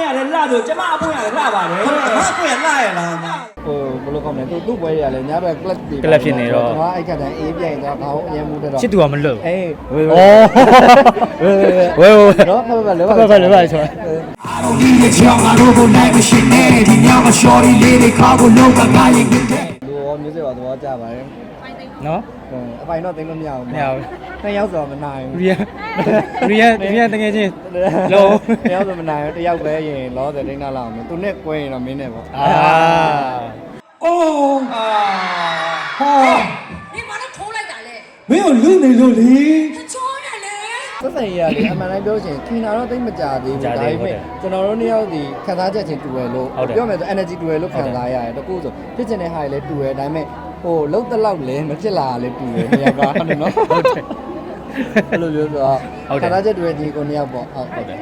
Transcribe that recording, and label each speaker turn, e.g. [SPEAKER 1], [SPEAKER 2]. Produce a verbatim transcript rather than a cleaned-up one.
[SPEAKER 1] ရတယ်လှဆိုကျမအပွင့်ရတယ်လှပါတယ်
[SPEAKER 2] ဟုတ်ကဲ့ငါကွယ်လာရလား
[SPEAKER 3] ဟိုဘယ်လိုကောင်းလဲသူသူ့ပွဲရလဲညဘက် club တွေ
[SPEAKER 4] club ဖြစ်နေတော့
[SPEAKER 3] ကျွန်တော်အဲ့ခါတိုင်းအေးပြိုင်တော့ခေါင်းအရင်မှုတော့
[SPEAKER 4] ချစ်သူကမလွတ်
[SPEAKER 3] အေးဝေး
[SPEAKER 4] ဩ
[SPEAKER 3] ဝေးဝေး
[SPEAKER 4] ဝဲဝဲ
[SPEAKER 3] နော်ဖတ်ဖတ်လော
[SPEAKER 4] ဖတ်ဖတ်လောပါဆို
[SPEAKER 5] I don't need a job, I don't go like a shit, man. The young shorty lady, cargo low, I got you get that.
[SPEAKER 3] လူရောမျိုးစစ်ပါသဘောကျပါတယ်
[SPEAKER 4] နော်
[SPEAKER 3] အပိုင်တော့သိလို့မရဘူး
[SPEAKER 4] မရဘူး
[SPEAKER 3] နှစ်ယောက်ဆိုတော့မနိုင်ဘူး
[SPEAKER 4] ရီယာရီယာရီယာတကယ်ချင်းလုံး
[SPEAKER 3] နှစ်ယောက်ဆိုမနိုင်ဘူးတစ်ယောက်ပဲရင်လောတယ်ဒိန်းနာလောက်မယ်သူနဲ့ကွဲရင်တော့မင်းနဲ့ပေါ့
[SPEAKER 4] အာ
[SPEAKER 2] အိုး
[SPEAKER 1] အာ
[SPEAKER 2] ဟော
[SPEAKER 6] 你把它偷来打嘞，
[SPEAKER 2] မင်းကိုလူနေလို့လေ
[SPEAKER 6] 他装的嘞。
[SPEAKER 3] သက်ဆိုင်ရလေအမှန်တိုင်းပြောချင်ခင်တာတော့သိမကြသေးဘူးဒါပေမဲ့ကျွန်တော်တို့နှစ်ယောက်ဒီခံစားချက်ချင်းတူတယ်လို့ပြောမယ်ဆို energy တူတယ်လို့ခံစားရတယ်တကူဆိုဖြစ်ချင်တဲ့ဟာတွေလည်းတူတယ်ဒါပေမဲ့ဟိုလုံးတလောက်လည်းမဖြစ်လာလည်းတူတယ်နှစ်ယောက်ကဟုတ်တယ်နော်ဟုတ်တယ်အဲ့လိုပြောဆိုတော့ခံစားချက်တူတဲ့ဒီကိုနှစ်ယောက်ပေါ့ဟုတ်
[SPEAKER 4] ဟုတ်တယ်